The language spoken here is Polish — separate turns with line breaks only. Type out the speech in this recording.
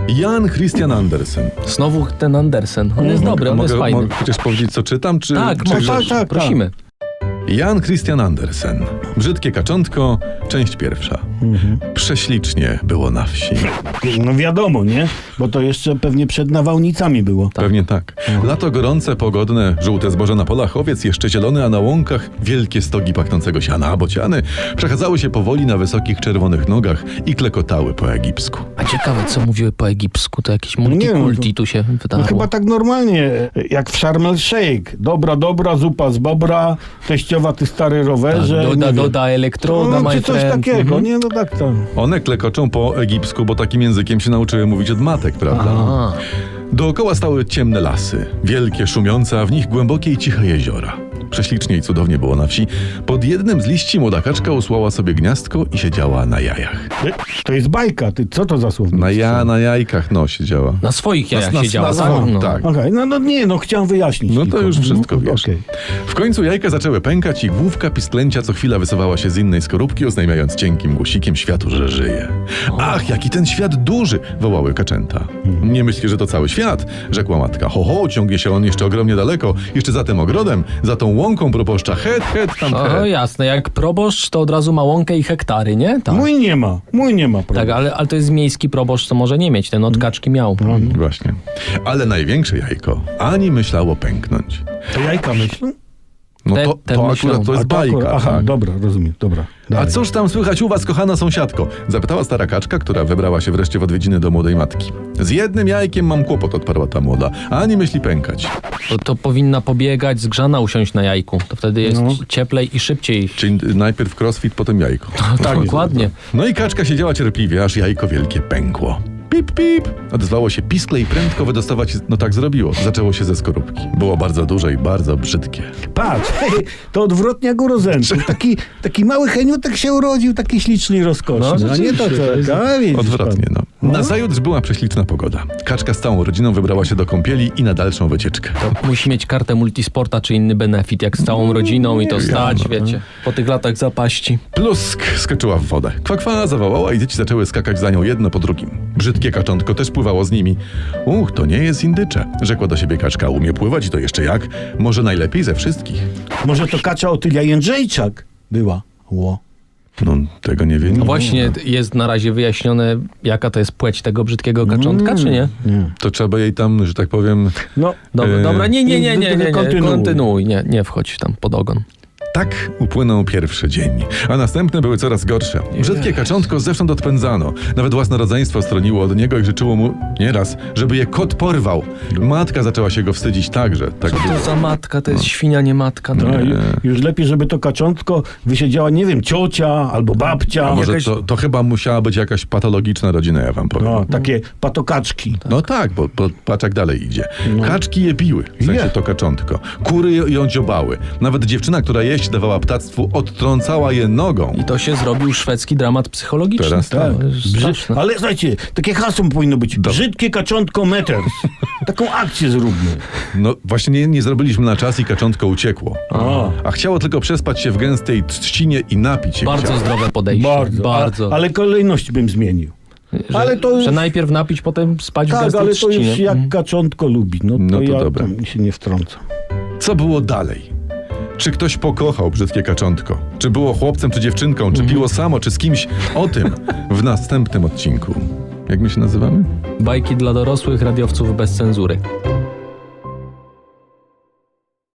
Jan Christian Andersen.
Znowu ten Andersen. On jest dobry, on jest fajny.
Mogę chociaż powiedzieć, co czytam? Czy,
Tak,
czy
prosimy.
Jan Christian Andersen. Brzydkie kaczątko, część pierwsza. Prześlicznie było na wsi.
No wiadomo, nie? Bo to jeszcze pewnie przed nawałnicami było.
Pewnie tak. Lato gorące, pogodne, żółte zboże na polach, owiec jeszcze zielony, a na łąkach wielkie stogi pachnącego siana, a bociany przechadzały się powoli na wysokich czerwonych nogach i klekotały po egipsku.
A ciekawe, co mówiły po egipsku. To jakieś multikulti tu się wydarło.
No chyba tak normalnie, jak w Sharm el Sheikh. Dobra, zupa z bobra, teściowa, ty stary rowerze.
Tak, doda elektroda,
no,
my
czy coś
friend.
takiego, nie? No tak.
One klekoczą po egipsku, bo takim językiem się nauczyły mówić od matek, prawda?
A,
Dookoła stały ciemne lasy, wielkie, szumiące, a w nich głębokie i ciche jeziora. Prześlicznie i cudownie było na wsi. Pod jednym z liści młoda kaczka usłała sobie gniazdko i siedziała na jajach.
To jest bajka, ty co to za słownictwo?
Na jajkach, siedziała.
na swoich jajach
Na
siedziała.
swoich,
No.
tak.
Okej, chciałem wyjaśnić.
No
tylko.
to już wszystko wiesz.
Okej.
W końcu jajka zaczęły pękać i główka pisklęcia co chwila wysuwała się z innej skorupki, oznajmiając cienkim głosikiem światu, że żyje. Ach, jaki ten świat duży! Wołały kaczęta. Nie myśli, że to cały świat, rzekła matka. Ciągnie się on jeszcze ogromnie daleko, jeszcze za tym ogrodem, za tą łąką proboszcza. Het, tam
O,
het.
jasne, jak proboszcz, to od razu ma łąkę i hektary, nie? Tak.
Mój nie ma,
Tak,
prawda?
ale to jest miejski proboszcz, to może nie mieć, ten od kaczki miał.
Właśnie. Ale największe jajko ani myślało pęknąć.
To jajka myślą?
No
Te
to
myślą.
akurat to jest bajka.
Aha,
tak.
dobra, rozumiem, dobra.
A
Dalej.
cóż tam słychać u was, kochana sąsiadko? Zapytała stara kaczka, która wybrała się wreszcie w odwiedziny do młodej matki. Z jednym jajkiem mam kłopot, odparła ta młoda. Ani myśli pękać.
To powinna pobiegać, zgrzana usiąść na jajku. To wtedy jest cieplej i szybciej.
Czyli najpierw crossfit, potem jajko.
Tak, dokładnie.
No i kaczka siedziała cierpliwie, aż jajko wielkie pękło. Pip, pip! Odezwało się piskle i prędko wydostawać... No tak zrobiło. Zaczęło się ze skorupki. Było bardzo duże i bardzo brzydkie.
Patrz, to odwrotnie jak u Rozenków. Taki mały heniutek się urodził, taki śliczny i rozkoszny.
No,
a nie to, co... widzisz
Odwrotnie,
pan.
no. Nazajutrz była prześliczna pogoda. Kaczka z całą rodziną wybrała się do kąpieli i na dalszą wycieczkę.
Musi mieć kartę multisporta czy inny benefit, jak z całą rodziną i to stać, wiecie, po tych latach zapaści.
Plusk skoczyła w wodę. Kwakwa zawołała i dzieci zaczęły skakać za nią jedno po drugim. Brzydkie kaczątko też pływało z nimi. To nie jest indycze, rzekła do siebie kaczka. Umie pływać i to jeszcze jak? Może najlepiej ze wszystkich.
Może to Kacza Otylia Jędrzejczak była.
No, tego nie wie.
No właśnie jest na razie wyjaśnione, jaka to jest płeć tego brzydkiego kaczątka, czy nie?
To trzeba jej tam, że tak powiem...
No,
Dobra, nie,
Kontynuuj.
nie wchodź tam pod ogon.
Tak upłynął pierwszy dzień, a następne były coraz gorsze. Brzydkie kaczątko zewsząd odpędzano. Nawet własne rodzeństwo stroniło od niego i życzyło mu nieraz, żeby je kot porwał. Matka zaczęła się go wstydzić także. Tak
Co to za matka? To jest świnia, nie matka. To
No, już lepiej, żeby to kaczątko wysiedziała, nie wiem, ciocia albo babcia.
A może
jakaś-
to chyba musiała być jakaś patologiczna rodzina, ja wam powiem.
No, takie patokaczki.
No tak, bo patrz jak dalej idzie. Kaczki je biły, w sensie
Je.
to kaczątko. Kury ją dziobały. Nawet dziewczyna, która jeść dawała ptactwu, odtrącała je nogą.
I to się zrobił szwedzki dramat psychologiczny.
Teraz tak.
To jest straszne.
Ale słuchajcie, takie hasło powinno być. Brzydkie kaczątko meters. Taką akcję zróbmy.
No właśnie nie zrobiliśmy na czas i kaczątko uciekło. A chciało tylko przespać się w gęstej trzcinie i napić się
Bardzo
chciało.
zdrowe podejście. Bardzo.
Ale kolejność bym zmienił. ale to już-
że najpierw napić, potem spać w
Tak,
gęstej
ale to już
trzcinie.
jak kaczątko lubi. No to,
No to
ja
dobra.
tam się nie wtrącam.
Co było dalej? Czy ktoś pokochał brzydkie kaczątko? Czy było chłopcem, czy dziewczynką? Czy piło samo, czy z kimś? O tym w następnym odcinku. Jak my się nazywamy?
Bajki dla dorosłych radiowców bez cenzury.